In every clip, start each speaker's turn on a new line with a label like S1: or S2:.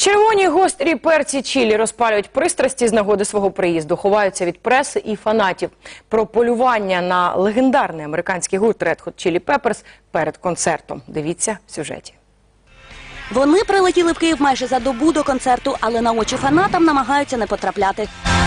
S1: Червоні гострі перці чилі розпалюють пристрасті з нагоди свого приїзду, ховаються від преси і фанатів. Про полювання на легендарний американський гурт Red Hot Chili Peppers перед концертом. Дивіться в сюжеті.
S2: Вони прилетіли в Київ майже за добу до концерту, але на очі фанатам намагаються не потрапляти.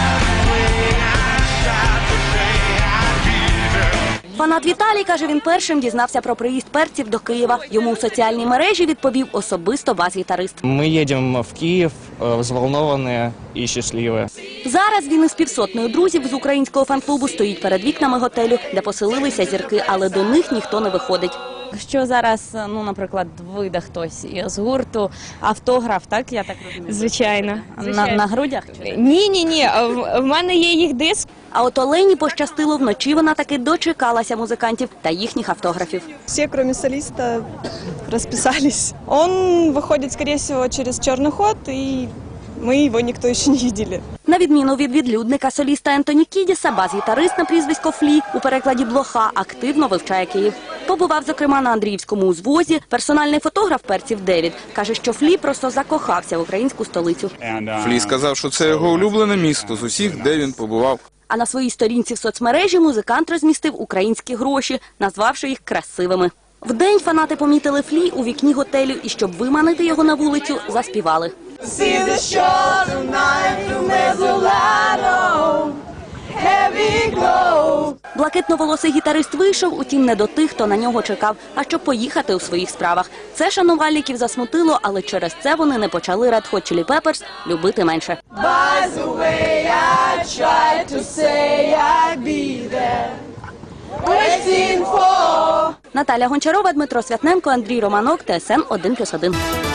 S2: Фанат Віталій каже, він першим дізнався про приїзд перців до Києва. Йому у соціальній мережі відповів особисто бас-гітарист.
S3: Ми їдемо в Київ, взволновані і щасливі.
S2: Зараз він із півсотнею друзів з українського фан-клубу стоїть перед вікнами готелю, де поселилися зірки, але до них ніхто не виходить.
S4: Якщо зараз, наприклад, вийде хтось з гурту, автограф, так, я так розумію?
S5: Звичайно.
S4: На грудях?
S5: Ні. В мене є їх диск.
S2: А от Олені пощастило, вночі вона таки дочекалася музикантів та їхніх автографів.
S6: Все, кроме солиста, расписались. Он выходит, скорее всего, через черный ход, и мы его никто еще не видели.
S2: На відміну від відлюдника соліста Ентоні Кідіса, бас-гітарист на прізвисько Флі, у перекладі Блоха, активно вивчає Київ. Побував, зокрема, на Андріївському узвозі. Персональний фотограф перців Девід каже, що Флі просто закохався в українську столицю.
S7: Флі сказав, що це його улюблене місто з усіх, де він побував.
S2: А на своїй сторінці в соцмережі музикант розмістив українські гроші, назвавши їх красивими. Вдень фанати помітили Флі у вікні готелю і, щоб виманити його на вулицю, заспівали. Блакитноволосий гітарист вийшов, утім не до тих, хто на нього чекав, а щоб поїхати у своїх справах. Це шанувальників засмутило, але через це вони не почали Red Hot Chili Peppers любити менше. Наталя Гончарова, Дмитро Святненко, Андрій Романок, ТСН 1+1.